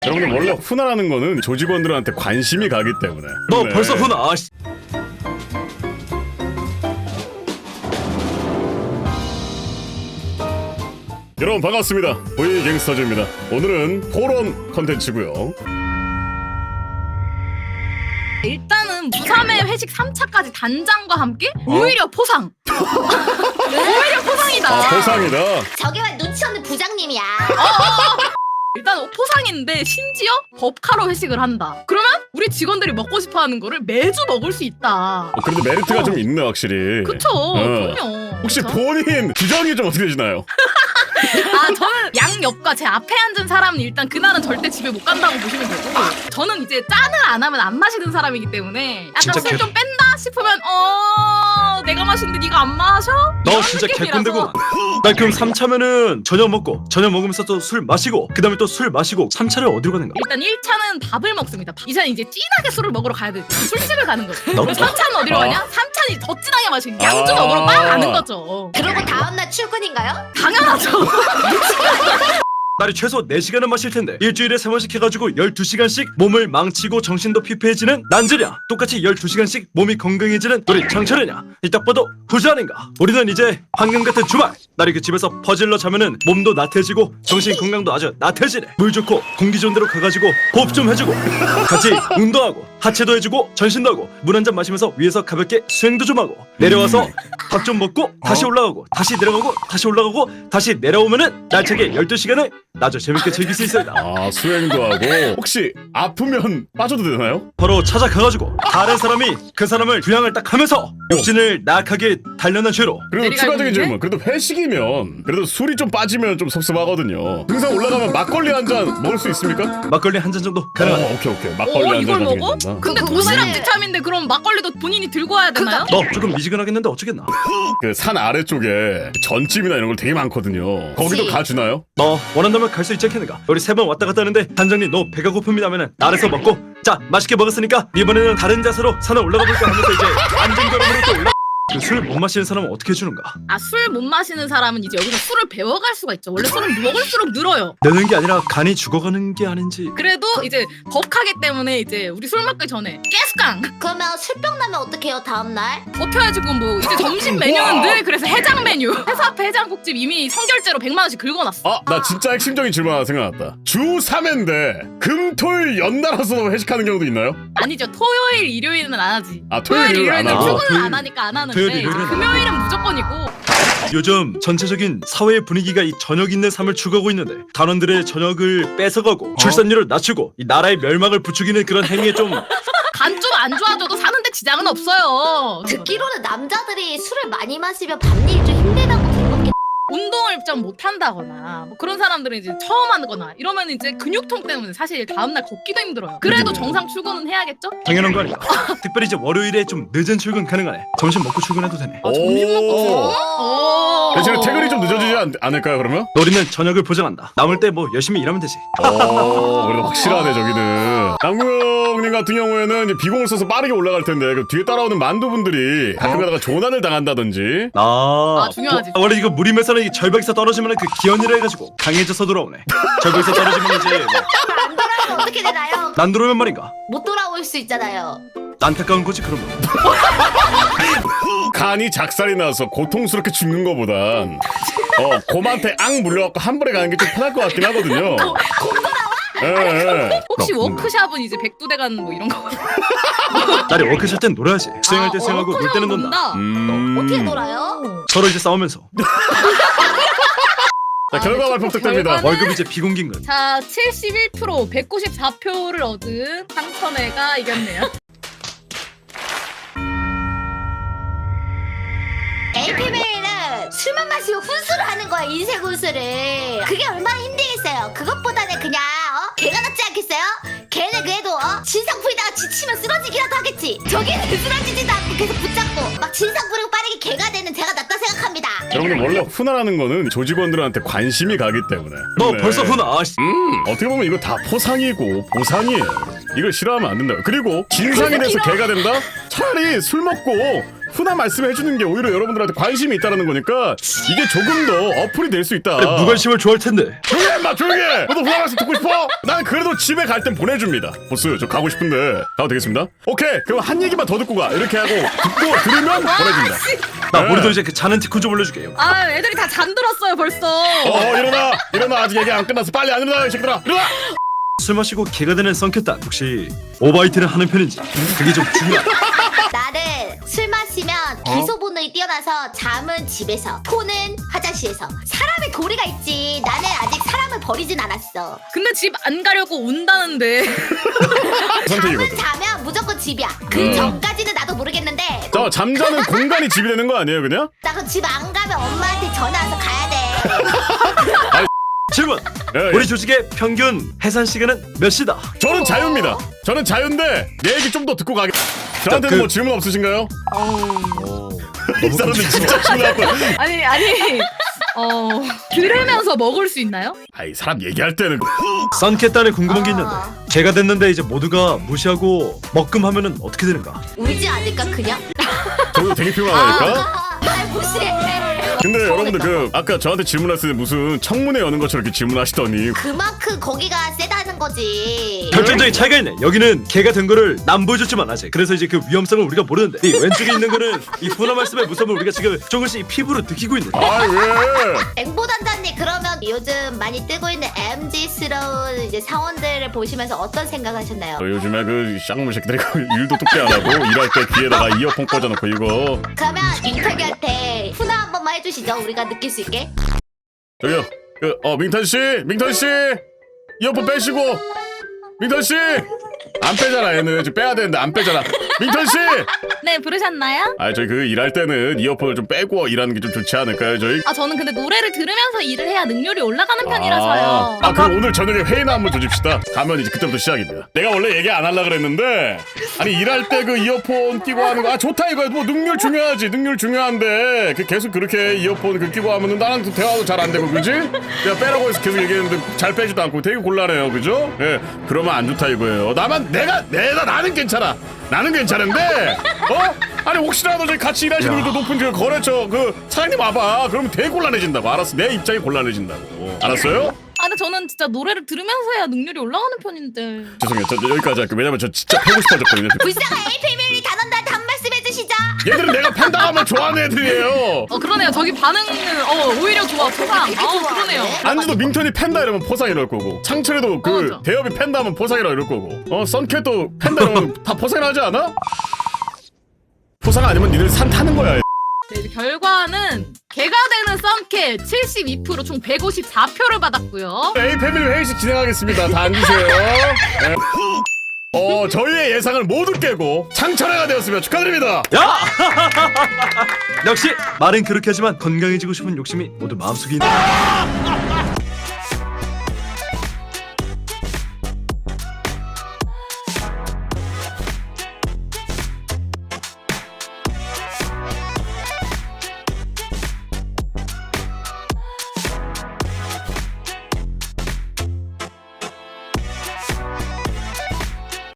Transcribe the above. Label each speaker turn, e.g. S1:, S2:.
S1: 여러분들 원래 훈화라는 거는 조직원들한테 관심이 가기 때문에.
S2: 너
S1: 네.
S2: 벌써 훈화.
S1: 여러분 반갑습니다. 보이 갱스터즈입니다. 오늘은 토론 컨텐츠고요.
S3: 일단은 무3회 회식 3차까지 단장과 함께 오히려 포상. 오히려 포상이다.
S1: 아 보상이다.
S4: 저기만 눈치 없는 부장님이야.
S3: 일단 포상인데 심지어 법카로 회식을 한다. 그러면 우리 직원들이 먹고 싶어하는 거를 매주 먹을 수 있다.
S1: 그래도 메리트가 좀 있네 확실히.
S3: 그쵸? 그럼요.
S1: 혹시
S3: 그쵸?
S1: 본인 규정이 좀 어떻게 되시나요?
S3: 아 저는 양옆과 제 앞에 앉은 사람은 일단 그날은 절대 집에 못 간다고 보시면 되고, 저는 이제 짠을 안 하면 안 마시는 사람이기 때문에 약간
S2: 진짜
S3: 술 좀 뺀다 싶으면 내가 마시는데 네가 안 마셔?
S2: 너
S3: 이런
S2: 진짜
S3: 느낌이라서.
S2: 개꼰대고. 나 그럼 3차면은 저녁 먹고 저녁 먹으면서 또 술 마시고 그 다음에 또 술 마시고 3차를 어디로 가는 거야?
S3: 일단 1차는 밥을 먹습니다. 2차는 이제 진하게 술을 먹으러 가야 돼. 술집을 가는 거죠.
S2: 너-
S3: 그럼 3차는 어디로 가냐? 3차는 더 진하게 마시는 양주 먹으러 막 가는 거죠.
S4: 그러고 다음날 출근인가요?
S3: 당연하죠.
S2: 날이 최소 4시간은 마실 텐데 일주일에 3번씩 해가지고 12시간씩 몸을 망치고 정신도 피폐해지는 난제냐? 똑같이 12시간씩 몸이 건강해지는 우리 장철이냐? 이 딱 봐도 후자 아닌가? 우리는 이제 황금 같은 주말 날이 그 집에서 퍼질러 자면은 몸도 나태해지고 정신 건강도 아주 나태해지네. 물 좋고 공기 좋은 데로 가가지고 호흡 좀 해주고 같이 운동하고 하체도 해주고 전신도 하고 물 한 잔 마시면서 위에서 가볍게 수행도 좀 하고 내려와서 밥 좀 먹고 다시 올라가고 다시 내려가고 다시 올라가고 다시 내려오면은 날차게 12시간을 아주 재밌게 즐길 수 있습니다.
S1: 아 수행도 하고. 혹시 아프면 빠져도 되나요?
S2: 바로 찾아가가지고 다른 사람이 그 사람을 부양을 딱 하면서 육신을 나약하게 단련한 죄로
S1: 그리고
S3: 내리갈
S1: 추가적인
S3: 분인데?
S1: 질문. 그래도 회식이면 그래도 술이 좀 빠지면 좀 섭섭하거든요. 등산 올라가면 막걸리 한 잔 먹을 수 있습니까?
S2: 막걸리 한 잔 정도 가능하다.
S1: 오케이. 막걸리 한
S3: 이걸
S1: 잔
S3: 먹어?
S1: 가지고
S3: 근데
S4: 그거
S3: 도시락
S4: 그거는-
S3: 지참인데 그럼 막걸리도 본인이 들고 와야 되나요?
S2: 너 조금 미지근하겠는데 어쩌겠나?
S1: 그산 아래쪽에 전집이나 이런 걸 되게 많거든요. 거기도
S4: 그치.
S1: 가주나요?
S2: 너 원한다면 갈 수 있지 않겠는가? 우리 3번 왔다 갔다 하는데 단장님 너 배가 고픕니다 하면은 아래서 먹고 자 맛있게 먹었으니까 이번에는 다른 자세로 산을 올라가 볼까 하면서 이제 안전걸음으로 또 올라. 그 술 못 마시는 사람은 어떻게 해주는가?
S3: 아, 술 못 마시는 사람은 이제 여기서 술을 배워갈 수가 있죠. 원래 술은 먹을수록 늘어요.
S2: 내는 게 아니라 간이 죽어가는 게 아닌지.
S3: 그래도 이제 법카기 때문에 이제 우리 술 먹기 전에 깨스깡
S4: 그러면 술병 나면 어떡해요 다음날?
S3: 버텨야지. 그건 뭐 이제 점심 메뉴는 늘 그래서 해장 메뉴. 회사 앞에 해장국집 이미 성결제로 100만 원씩 긁어놨어.
S1: 나 진짜 핵심적인 질문 하나 생각났다. 주 3회인데 금토일 연달아서 회식하는 경우도 있나요?
S3: 아니죠. 토요일 일요일은 안 하지.
S1: 아, 토요일, 일요일은 안 하고.
S3: 출근을
S2: 토요일-
S3: 안 하니까 안 하는데
S2: 토요일, 일요일은 안
S3: 금요일은 무조건이고.
S2: 요즘 전체적인 사회의 분위기가 이 저녁 있는 삶을 추구하고 있는데 단원들의 저녁을 뺏어가고 출산율을 낮추고 이 나라의 멸망을 부추기는 그런 행위에 좀
S3: 간 좀 안 좋아져도 사는데 지장은 없어요.
S4: 듣기로는 남자들이 술을 많이 마시면 밤일 좀 힘들다고 들었겠.
S3: 운동을 좀 못한다거나 뭐 그런 사람들은 이제 처음 하거나 이러면 이제 근육통 때문에 사실 다음날 걷기도 힘들어요. 그래도 정상 출근은 해야겠죠?
S2: 당연한 거 아닌가? 특별히 이제 월요일에 좀 늦은 출근 가능하네. 점심 먹고 출근해도 되네.
S3: 점심 먹고
S1: 오.
S3: 오.
S1: 대신에 퇴근이 좀 늦어지지 않을까요 그러면?
S2: 우리는 저녁을 보장한다. 남을 때 뭐 열심히 일하면 되지.
S1: 그래도 확실하네 저기는. 남구형님 같은 경우에는 이제 비공을 써서 빠르게 올라갈 텐데 그 뒤에 따라오는 만두분들이 가끔 가다가 조난을 당한다든지.
S3: 아, 중요하지.
S2: 원래 이거 무림에서는 이 절벽에서 떨어지면 그 기원이라 해가지고 강해져서 돌아오네. 절벽에서 떨어지면 이제 뭐
S4: 안 돌아오면 어떻게 되나요?
S2: 난 들어오면 말인가?
S4: 못 돌아올 수 있잖아요.
S2: 안타까운 거지 그러면.
S1: 간이 작살이 나서 고통스럽게 죽는 거보단 곰한테 앙 물려갖고 한 번에 가는 게 좀 편할 것 같긴 하거든요. 예.
S3: 혹시
S2: 뭔가.
S3: 워크샵은 이제 백두대간 뭐 이런 거?
S2: 나리 워크숍 땐 놀아야지. 수영할 때 수영하고 놀 때는 논다.
S4: 어떻게 놀아요?
S2: 서로 이제 싸우면서.
S1: 자 결과 발표 부탁드립니다.
S3: 결과는-
S2: 월급 이제 비공개인 건.
S3: 자, 71% 194표를 얻은 상천회가 이겼네요.
S4: APB는 술만 마시고 훈수를 하는 거야 인생 훈수를. 그게 얼마나 힘들겠어요. 그것보다는 그냥 개가 낫지 않겠어요? 걔는 그래도 진상 부리다가 지치면 쓰러지기라도 하겠지. 저기는 쓰러지지도 않고 계속 붙잡고 막 진상 부리고 빠르게 개가 되는 제가 낫다 생각합니다.
S1: 여러분들 원래 훈화라는 거는 조직원들한테 관심이 가기 때문에.
S2: 너
S1: 네.
S2: 벌써 훈아.
S1: 어떻게 보면 이거 다 포상이고 보상이에요. 이걸 싫어하면 안 된다. 그리고 진상이 돼서 개가 된다? 차라리 술 먹고 훈한 말씀을 해주는 게 오히려 여러분들한테 관심이 있다는 거니까 이게 조금 더 어플이 될 수 있다.
S2: 무관심을 좋아할 텐데.
S1: 조용히 해 인마 조용히 해. 너도 훈한 말씀 듣고 싶어? 난 그래도 집에 갈 땐 보내줍니다. 보스 저 가고 싶은데 가도 되겠습니다. 오케이 그럼 한 얘기만 더 듣고 가. 이렇게 하고 듣고 들으면 보내준다.
S2: 나
S1: 네.
S2: 우리도 이제 그 자는 티콘 좀 올려줄게요.
S3: 아 애들이 다 잠들었어요 벌써.
S1: 일어나 아직 얘기 안 끝났어. 빨리 안 일어나 이 새끼들아 일어나.
S2: 술 마시고 개가 되는 썬캣단 혹시 오바이트를 하는 편인지 그게 좀 중요하다.
S4: 나는 술 마시면 기소 본능이 뛰어나서 잠은 집에서, 토는 화장실에서. 사람의 도리가 있지. 나는 아직 사람을 버리진 않았어.
S3: 근데 집 안 가려고 운다는데.
S4: 잠은
S1: 선택이거든.
S4: 자면 무조건 집이야. 그 전까지는 나도 모르겠는데
S1: 저 잠자는 공간이 집이 되는 거 아니에요 그냥?
S4: 나 그 집 안 가면 엄마한테 전화 와서 가야 돼.
S2: 질문.
S1: 예, 예.
S2: 우리 조직의 평균 해산 시간은 몇 시다?
S1: 저는 자유입니다. 저는 자유인데 내 얘기 좀 더 듣고 가게. 저한테는 뭐 질문 없으신가요? 이 사람들 진짜 질문하고.
S3: 아니 들으면서 먹을 수 있나요?
S1: 아이 사람 얘기할 때는
S2: 썬캣단에 궁금한 게 있는데 개가 됐는데 이제 모두가 무시하고 먹금하면은 어떻게 되는가?
S4: 울지 않을까 그냥?
S1: 저도 되게 피곤하니까.
S4: 날 무시해.
S1: 근데 여러분들 그 아까 저한테 질문했을 때 무슨 청문회 여는 것처럼 이렇게 질문하시더니
S4: 그만큼 거기가 세다는 거지.
S2: 결정적인 차이가 있네. 여기는 개가 된 거를 남 보여줬지만 아직. 그래서 이제 그 위험성을 우리가 모르는데 이 왼쪽에 있는 거는 이 훈화 말씀의 무서움을 우리가 지금 조금씩 피부로 느끼고 있는.
S1: 아 왜?
S4: 앵보 단장님 그러면 요즘 많이 뜨고 있는 MZ스러운 이제 사원들을 보시면서 어떤 생각하셨나요?
S1: 요즘에 그 쌍문 새끼들이 일도 똑게 안 하고 일할 때 귀에다가 이어폰 꽂아놓고 이거
S4: 그러면 민탁이한테 훈화 한 번만 해주시죠. 우리가 느낄 수 있게.
S1: 저기요 민턴 씨 이어폰 빼시고 민턴 씨 안 빼잖아 얘는 지금 빼야 되는데 안 빼잖아 민턴 씨.
S3: 네 부르셨나요?
S1: 아 저희 그 일할 때는 이어폰을 좀 빼고 일하는 게 좀 좋지 않을까요 저희?
S3: 아 저는 근데 노래를 들으면서 일을 해야 능률이 올라가는 편이라서요.
S1: 그럼 오늘 저녁에 회의나 한번 조집시다. 가면 이제 그때부터 시작입니다. 내가 원래 얘기 안 하려고 그랬는데 아니 일할 때 그 이어폰 끼고 하는 거 좋다 이거 뭐 능률 중요하지 능률 중요한데 그 계속 그렇게 이어폰 그 끼고 하면은 나랑 또 대화도 잘 안 되고 그지? 내가 빼라고 해서 계속 얘기했는데 잘 빼지도 않고 되게 곤란해요 그죠? 예 그러면 안 좋다 이거예요. 나는 괜찮아. 나는 괜찮은데 아니 혹시라도 저희 같이 일하시는 분도 높은 그 거래처 그 사장님 와봐. 그러면 되게 곤란해진다고. 알았어 내 입장이 곤란해진다고. 알았어요?
S3: 아 근데 저는 진짜 노래를 들으면서 해야 능률이 올라가는 편인데.
S1: 죄송해요. 저 여기까지 할게요. 왜냐면 저 진짜 패고 싶어졌거든요.
S4: 불쌍한 에이페밀리 단원들한테 한 말씀 해주시죠.
S1: 얘들은 내가 팬다하면 좋아하는 애들이에요.
S3: 그러네요. 저기 반응은 오히려 좋아 포상. 그러네요.
S1: 안주도 민턴이 팬다 이러면 포상 이럴 거고 창철이도 그
S3: 맞아.
S1: 대엽이 팬다 하면 포상이라 이럴 거고 썬캣도 팬다 이러면 다 포상이라 하지 않아? 포상 아니면 니들 산 타는 거야.
S3: 네, 이제 결과는 개가 되는 썬캣 72% 총 154표를 받았고요.
S1: A 패밀리 회의식 진행하겠습니다. 다 앉으세요. 네. 저희의 예상을 모두 깨고 창철회가 되었으면 축하드립니다.
S2: 야! 역시 말은 그렇게 하지만 건강해지고 싶은 욕심이 모두 마음속에 있다.